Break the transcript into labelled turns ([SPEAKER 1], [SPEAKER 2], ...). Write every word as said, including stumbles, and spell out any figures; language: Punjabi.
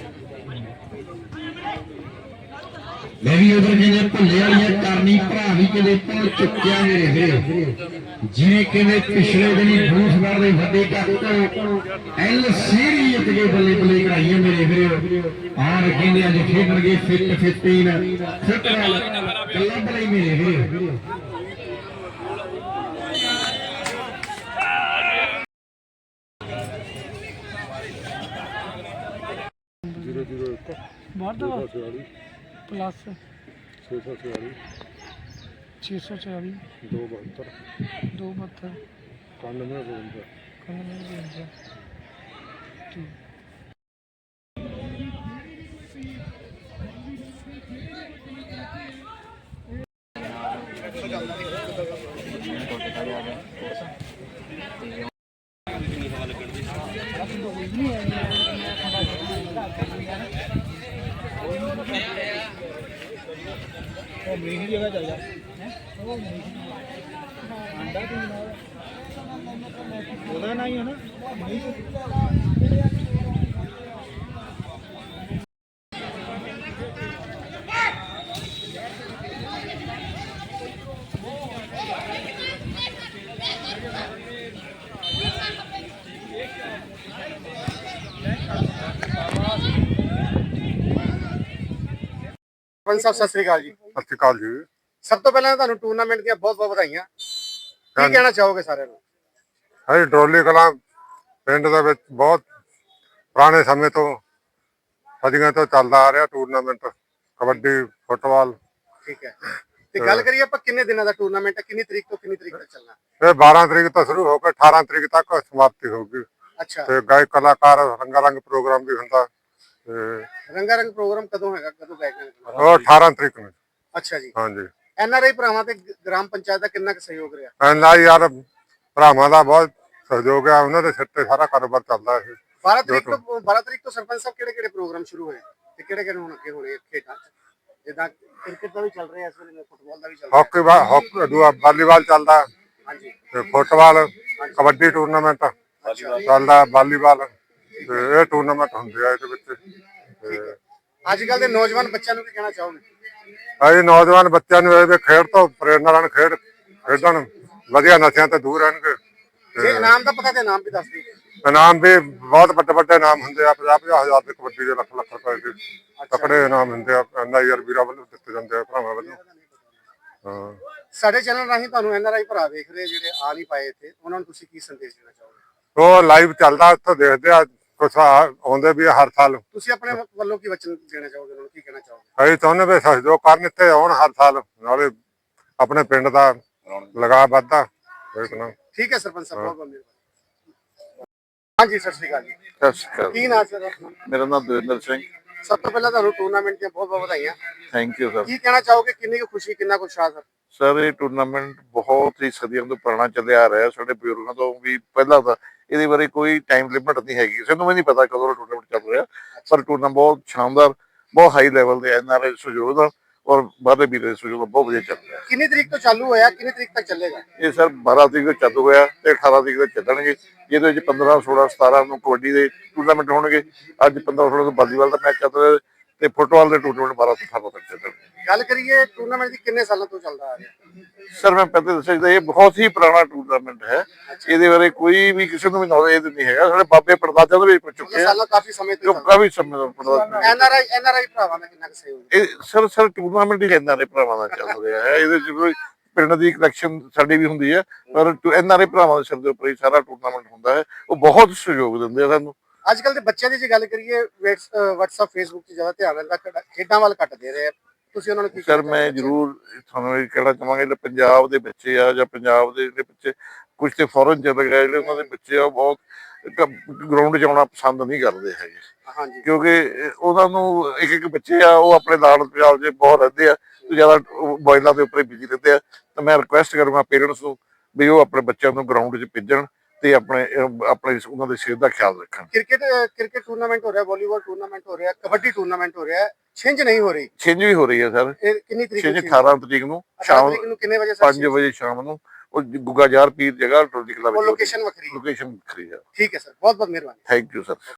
[SPEAKER 1] मैं भी उधर कहने भुले वाली करनी भरा भी कहते भुल चुकिया मेरे वीर जिवें कहते पिछले दिन ही बूथगढ़ के वड्डे कप एल सीरीज के बल्ले बल्ले कराइए मेरे वीर और कहते अज खेडणगे फिट फिफ्टीन फुटबॉल क्लब लई मेरे वीर
[SPEAKER 2] जीरो जीरो एक प्लस छे सौ छियाली छे सौ छियाली दो बहत्तर दो बहत्तर कानवे बवंजा कानवे बवंजा ठीक मेरी जगह चल जा बोला नहीं है ना
[SPEAKER 3] साहब सत श्री अकाल जी।
[SPEAKER 4] सत श्री अकाल जी।
[SPEAKER 3] सब तो पहले ਤੁਹਾਨੂੰ ਟੂਰਨਾਮੈਂਟ ਦੀਆਂ ਬਹੁਤ ਬਹੁਤ ਵਧਾਈਆਂ। ਕੀ ਕਹਿਣਾ ਚਾਹੋਗੇ ਸਾਰਿਆਂ ਨੂੰ?
[SPEAKER 4] ਹੈ ਡਰੋਲੀ ਕਲਾਂ ਪਿੰਡ ਦੇ ਵਿੱਚ ਬਹੁਤ ਪੁਰਾਣੇ ਸਮੇਂ ਤੋਂ ਸਦੀਆਂ ਤੋਂ ਚੱਲਦਾ ਆ ਰਿਹਾ ਟੂਰਨਾਮੈਂਟ ਕਬੱਡੀ ਫੁੱਟਬਾਲ।
[SPEAKER 3] ਠੀਕ ਹੈ ਤੇ ਗੱਲ ਕਰੀਏ ਆਪਾਂ ਕਿੰਨੇ ਦਿਨਾਂ ਦਾ ਟੂਰਨਾਮੈਂਟ ਹੈ, ਕਿੰਨੀ ਤਰੀਕ ਤੋਂ ਕਿੰਨੀ ਤਰੀਕ ਤੱਕ ਚੱਲਣਾ?
[SPEAKER 4] ਇਹ ਬਾਰਾਂ ਤਰੀਕ ਤੋਂ ਸ਼ੁਰੂ ਹੋ ਕੇ ਅਠਾਰਾਂ ਤਰੀਕ ਤੱਕ ਸਮਾਪਤੀ ਹੋਊਗੀ।
[SPEAKER 3] ਅੱਛਾ
[SPEAKER 4] ਤੇ ਗਾਇਕ ਕਲਾਕਾਰ ਰੰਗਾ ਰੰਗ ਪ੍ਰੋਗਰਾਮ ਵੀ ਹੁੰਦਾ।
[SPEAKER 3] ਰੰਗਾ ਰੰਗ ਪ੍ਰੋਗਰਾਮ ਕਦੋਂ ਹੈਗਾ, ਕਦੋਂ ਗਾਇਕ?
[SPEAKER 4] ਉਹ ਅਠਾਰਾਂ ਤਰੀਕ ਨੂੰ।
[SPEAKER 3] ਅੱਛਾ ਜੀ।
[SPEAKER 4] ਹਾਂਜੀ।
[SPEAKER 3] ਐਨ ਆਰ ਆਈ ਭਰਾਵਾਂ ਤੇ ਗ੍ਰਾਮ ਪੰਚਾਇਤ ਦਾ ਕਿੰਨਾ ਕੁ ਸਹਿਯੋਗ ਰਿਹਾ?
[SPEAKER 4] ਐਨ ਆਰ ਆਈ ਯਾਰ ਭਰਾਵਾਂ ਦਾ ਬਹੁਤ ਸਹਿਯੋਗ ਹੈ, ਉਹਨਾਂ ਦੇ ਸਿਰ ਤੇ ਸਾਰਾ ਕਾਰੋਬਾਰ ਚੱਲਦਾ ਹੈ।
[SPEAKER 3] ਬਾਰਾਂ ਤਰੀਕ ਤੋਂ ਬਾਰਾਂ ਤਰੀਕ ਤੋਂ ਸਰਪੰਚ ਸਾਹਿਬ ਕਿਹੜੇ ਕਿਹੜੇ ਪ੍ਰੋਗਰਾਮ ਸ਼ੁਰੂ ਹੋਏ ਤੇ ਕਿਹੜੇ ਕਿਹੜੇ ਹੁਣ ਅੱਗੇ ਹੋਣੇ ਖੇਡਾਂ ਜਿੱਦਾਂ ਕ੍ਰਿਕਟ ਦਾ ਵੀ ਚੱਲ ਰਿਹਾ ਇਸ ਵੇਲੇ, ਫੁੱਟਬਾਲ ਦਾ ਵੀ ਚੱਲ ਰਿਹਾ,
[SPEAKER 4] ਹਾਕੀ ਹਾਕੀ ਦੂਆ ਵਾਲੀਬਾਲ ਚੱਲਦਾ।
[SPEAKER 3] ਹਾਂਜੀ।
[SPEAKER 4] ਤੇ ਫੁੱਟਬਾਲ ਕਬੱਡੀ ਟੂਰਨਾਮੈਂਟ ਚੱਲਦਾ, ਵਾਲੀਬਾਲ ਤੇ ਇਹ ਟੂਰਨਾਮੈਂਟ ਹੁੰਦੇ ਆ ਇਹਦੇ ਵਿੱਚ।
[SPEAKER 3] ਅੱਜ ਕੱਲ ਦੇ ਨੌਜਵਾਨ ਬੱਚਿਆਂ ਨੂੰ ਕੀ ਕਹਿਣਾ ਚਾਹੋਗੇ?
[SPEAKER 4] ਅਸੀਂ ਨੌਜਵਾਨ ਬੱਚਿਆਂ ਨੂੰ ਇਹ ਖੇਡ ਤੋਂ ਪ੍ਰੇਰਨਾ ਲੈਣ, ਖੇਡ ਖੇਡਣ, ਵਧੀਆ ਨਸ਼ਿਆਂ ਤੋਂ ਦੂਰ ਰਹਿਣਗੇ।
[SPEAKER 3] ਜੇ ਇਨਾਮ ਦਾ ਪਤਾ ਤੇ ਇਨਾਮ ਵੀ ਦੱਸ ਦਿਓ।
[SPEAKER 4] ਇਨਾਮ ਵੀ ਬਹੁਤ ਵੱਡੇ ਵੱਡੇ ਇਨਾਮ ਹੁੰਦੇ ਆ, ਪੰਜਾਹ ਪੰਜਾਹ ਹਜ਼ਾਰ ਦੇ ਕਬੱਡੀ ਦੇ, ਲੱਖ ਲੱਖ ਰੁਪਏ ਦੇ ਤਕੜੇ ਇਨਾਮ ਹੁੰਦੇ ਆ। ਐਨ ਆਈ ਆਰ ਵੀਰਾਂ ਵੱਲੋਂ ਦਿੱਤੇ ਜਾਂਦੇ ਆ, ਭਰਾਵਾਂ ਵੱਲੋਂ। ਹਾਂ,
[SPEAKER 3] ਸਾਡੇ ਚੈਨਲ ਰਾਹੀਂ ਤੁਹਾਨੂੰ ਐਨ ਆਰ ਆਈ ਭਰਾ ਵੇਖ ਰਹੇ ਜਿਹੜੇ ਆ ਨਹੀਂ ਪਾਏ ਇੱਥੇ, ਉਹਨਾਂ ਨੂੰ ਤੁਸੀਂ ਕੀ ਸੰਦੇਸ਼ ਦੇਣਾ ਚਾਹੋਗੇ?
[SPEAKER 4] ਉਹ ਲਾਈਵ ਚੱਲਦਾ, ਉੱਥੋਂ ਦੇਖਦੇ ਆ, ਕੁਛ ਆਉਂਦੇ ਵੀ ਹਰ ਸਾਲ।
[SPEAKER 3] ਤੁਸੀਂ ਆਪਣੇ ਵੱਲੋਂ ਕੀ ਵਚਨ ਦੇਣਾ ਚਾਹੋਗੇ, ਉਹਨਾਂ ਨੂੰ ਕੀ ਕਹਿਣਾ ਚਾਹੋਗੇ?
[SPEAKER 4] ਅਸੀਂ ਚਾਹੁੰਦੇ ਵੀ ਸਹਿਯੋਗ ਕਰਨ, ਇੱਥੇ ਆਉਣ ਹਰ ਸਾਲ, ਨਾਲੇ ਆਪਣੇ ਪਿੰਡ ਦਾ ਲਗਾਅ ਵੱਧਦਾ।
[SPEAKER 3] ਠੀਕ ਹੈ ਸਰਪੰਚ ਸਾਹਿਬ, ਬਹੁਤ ਬਹੁਤ ਮਿਹਰਬਾਨੀ। ਹਾਂਜੀ ਸਤਿ ਸ਼੍ਰੀ ਅਕਾਲ ਜੀ।
[SPEAKER 5] ਸਤਿ ਸ਼੍ਰੀ ਅਕਾਲ।
[SPEAKER 3] ਕੀ ਨਾਮ ਸਰ?
[SPEAKER 5] ਮੇਰਾ ਨਾਮ ਦਵਿੰਦਰ ਸਿੰਘ।
[SPEAKER 3] ਸਭ ਤੋਂ ਪਹਿਲਾਂ ਤੁਹਾਨੂੰ ਟੂਰਨਾਮੈਂਟ ਦੀਆਂ ਬਹੁਤ ਬਹੁਤ ਵਧਾਈਆਂ।
[SPEAKER 5] Thank you sir.
[SPEAKER 3] ਕੀ ਕਹਿਣਾ ਚਾਹੋਗੇ, ਕਿੰਨੀ ਕੁ ਖੁਸ਼ੀ, ਕਿੰਨਾ ਕੁ ਉਤਸ਼ਾਹ ਸਰ?
[SPEAKER 5] ਸਰ ਇਹ ਟੂਰਨਾਮੈਂਟ ਬਹੁਤ ਹੀ ਸਦੀਆਂ ਤੋਂ ਪੁਰਾਣਾ ਚੱਲਿਆ ਆ ਰਿਹਾ, ਸਾਡੇ ਬਜ਼ੁਰਗਾਂ ਤੋਂ ਵੀ ਪਹਿਲਾਂ ਦਾ। ਇਹਦੇ ਬਾਰੇ ਕੋਈ ਟਾਈਮ ਲਿਮਿਟ ਨਹੀਂ ਹੈਗੀ, ਕਿਸੇ ਨੂੰ ਵੀ ਨਹੀਂ ਪਤਾ ਕਦੋਂ ਟੂਰਨਾਮੈਂਟ ਚੱਲ ਰਿਹਾ। ਪਰ ਟੂਰਨਾਮੈਂਟ ਬਹੁਤ ਸ਼ਾਨਦਾਰ, ਬਹੁਤ ਹਾਈ ਲੈਵਲ ਦੇ ਐਨ ਆਰ ਆਈ ਸਹਿਯੋਗ ਦਾ ਔਰ ਬਾਹਰਲੇ ਵੀਰਾਂ ਦੇ ਸਹਿਯੋਗ ਬਹੁਤ ਵਧੀਆ ਚੱਲ ਰਿਹਾ।
[SPEAKER 3] ਕਿੰਨੀ ਤਰੀਕ ਤੋਂ ਚਾਲੂ ਹੋਇਆ, ਕਿੰਨੀ ਤਰੀਕ ਤੱਕ ਚੱਲੇਗਾ?
[SPEAKER 5] ਇਹ ਸਰ ਬਾਰਾਂ ਤਰੀਕ ਤੋਂ ਚਾਲੂ ਹੋਇਆ ਤੇ ਅਠਾਰਾਂ ਤਰੀਕ ਤੱਕ ਚੱਲਣਗੇ, ਜਿਹਦੇ ਵਿੱਚ ਪੰਦਰਾਂ ਸੋਲਾਂ ਸਤਾਰਾਂ ਨੂੰ ਕਬੱਡੀ ਦੇ ਟੂਰਨਾਮੈਂਟ ਹੋਣਗੇ। ਅੱਜ ਪੰਦਰਾਂ ਸੋਲਾਂ ਤੋਂ ਵਾਲੀਬਾਲ ਦਾ ਮੈਚ ਚੱਲ ਰਿਹਾ ਤੇ ਫੁੱਟਬਾਲ ਦੇ ਟੂਰਨਾਮੈਂਟ ਬਾਰਾਂ ਤੋਂ ਅਠਾਰਾਂ ਤੱਕ ਚੱਲਣਗੇ।
[SPEAKER 3] ਗੱਲ ਕਰੀਏ ਟੂਰਨਾਮੈਂਟ ਦੀ, ਕਿੰਨੇ ਸਾਲਾਂ ਤੋਂ ਚੱਲਦਾ ਆ ਰਿਹਾ?
[SPEAKER 5] ਸਰ ਮੈਂ ਪਹਿਲੇ ਦੱਸਿਆ ਇਹ ਬਹੁਤ ਹੀ ਪੁਰਾਣਾ ਟੂਰਨਾਮੈਂਟ ਹੈ, ਇਹਦੇ ਬਾਰੇ ਕੋਈ ਵੀ ਕਿਸੇ ਨੂੰ ਵੀ ਨੌਲੇਜ ਨਹੀਂ ਹੈਗਾ। ਸਾਡੇ ਬਾਬੇ ਪੜਦਾਦਿਆਂ ਤੋਂ ਵੀ ਪੁੱਛ ਚੁੱਕੇ ਆ,
[SPEAKER 3] ਸਾਲਾਂ ਕਾਫੀ ਸਮੇਂ ਤੋਂ
[SPEAKER 5] ਕਾਫੀ ਸਮੇਂ ਤੋਂ।
[SPEAKER 3] ਐਨ R I N R I ਭਰਾਵਾਂ ਦਾ ਕਿੰਨਾ ਕੁ ਸਹਿਯੋਗ?
[SPEAKER 5] ਇਹ ਸਰ ਸਰ ਟੂਰਨਾਮੈਂਟ ਹੀ ਐਨ ਆਰ ਆਈ ਭਰਾਵਾਂ ਦਾ ਚੱਲ ਰਿਹਾ ਹੈ। ਇਹਦੇ ਚ ਕੋਈ ਪਿੰਡ ਦੀ ਕਲੈਕਸ਼ਨ ਸਾਡੀ ਵੀ ਹੁੰਦੀ ਹੈ, ਪਰ ਐਨ ਆਰ ਆਈ ਭਰਾਵਾਂ ਦੇ ਸਿਰ ਦੇ ਉੱਪਰ ਹੀ ਸਾਰਾ ਟੂਰਨਾਮੈਂਟ ਹੁੰਦਾ ਹੈ। ਉਹ ਬਹੁਤ ਸਹਿਯੋਗ ਦਿੰਦੇ ਆ ਸਾਨੂੰ।
[SPEAKER 3] ਅੱਜ ਕੱਲ ਦੇ ਬੱਚਿਆਂ ਦੀ ਜੇ ਗੱਲ ਕਰੀਏ, ਵਟਸਐਪ ਫੇਸਬੁੱਕ 'ਚ ਜ਼ਿਆਦਾ ਧਿਆਨ ਰਹਿੰਦਾ, ਖੇਡਾਂ ਵੱਲ ਘੱਟ ਦੇ ਰਹੇ ਆ। ਤੁਸੀਂ ਉਹਨਾਂ ਨੂੰ ਕੀ?
[SPEAKER 5] ਸਰ ਮੈਂ ਜ਼ਰੂਰ ਤੁਹਾਨੂੰ ਇਹ ਕਹਿਣਾ ਚਾਹਾਂਗਾ, ਜਿਹੜੇ ਪੰਜਾਬ ਦੇ ਬੱਚੇ ਆ ਜਾਂ ਪੰਜਾਬ ਦੇ ਜਿਹੜੇ ਬੱਚੇ ਕੁਝ ਤੇ ਫੋਰਨ ਚਲੇ ਗਏ, ਜਿਹੜੇ ਉਹਨਾਂ ਦੇ ਬੱਚੇ ਆ ਬਹੁਤ ਗਰਾਊਂਡ 'ਚ ਆਉਣਾ ਪਸੰਦ ਨਹੀਂ ਕਰਦੇ ਹੈਗੇ।
[SPEAKER 3] ਹਾਂਜੀ।
[SPEAKER 5] ਕਿਉਂਕਿ ਉਹਨਾਂ ਨੂੰ ਇੱਕ ਇੱਕ ਬੱਚੇ ਆ, ਉਹ ਆਪਣੇ ਲਾੜ ਪੰਜਾਬ 'ਚ ਬਹੁਤ ਰਹਿੰਦੇ ਆ, ਜ਼ਿਆਦਾ ਮੋਬਾਈਲਾਂ ਦੇ ਉੱਪਰ ਬਿਜੀ ਰਹਿੰਦੇ ਆ। ਤਾਂ ਮੈਂ ਰਿਕੁਐਸਟ ਕਰੂੰਗਾ ਪੇਰੈਂਟਸ ਨੂੰ ਵੀ ਉਹ ਆਪਣੇ ਬੱਚਿਆਂ ਨੂੰ ਗਰਾਊਂਡ 'ਚ ਭੇਜਣ ਤੇ ਆਪਣੇ ਆਪਣੇ ਉਹਨਾਂ ਦੀ ਸਿਹਤ ਦਾ ਖਿਆਲ ਰੱਖਣ।
[SPEAKER 3] ਕ੍ਰਿਕਟ ਕ੍ਰਿਕਟ ਟੂਰਨਾਮੈਂਟ ਹੋ ਰਿਹਾ, ਵਾਲੀਬਾਲ ਟੂਰਨਾਮੈਂਟ ਹੋ ਰਿਹਾ, ਕਬੱਡੀ ਟੂਰਨਾਮੈਂਟ ਹੋ ਰਿਹਾ, ਛਿੰਝ ਨਹੀਂ ਹੋ ਰਹੀ।
[SPEAKER 5] ਛਿੰਝ ਵੀ ਹੋ ਰਹੀ ਹੈ ਸਰ।
[SPEAKER 3] ਇਹ ਕਿੰਨੀ ਤਰੀਕ?
[SPEAKER 5] ਛਿੰਝ ਅਠਾਰਾਂ ਤਰੀਕ ਨੂੰ ਸ਼ਾਮ
[SPEAKER 3] ਨੂੰ ਕਿੰਨੇ ਵਜੇ?
[SPEAKER 5] ਪੰਜ ਵਜੇ ਸ਼ਾਮ ਨੂੰ। ਉਹ ਗੁੱਗਾ ਜਾਰ ਪੀਰ ਜਗ੍ਹਾ ਟੋਲੀ ਕਲੱਬ
[SPEAKER 3] ਲੋਕੇਸ਼ਨ ਵੱਖਰੀ
[SPEAKER 5] ਲੋਕੇਸ਼ਨ ਵੱਖਰੀ ਹੈ।
[SPEAKER 3] ਠੀਕ ਹੈ ਸਰ, ਬਹੁਤ ਬਹੁਤ ਮਿਹਰਬਾਨੀ।
[SPEAKER 5] Thank you sir.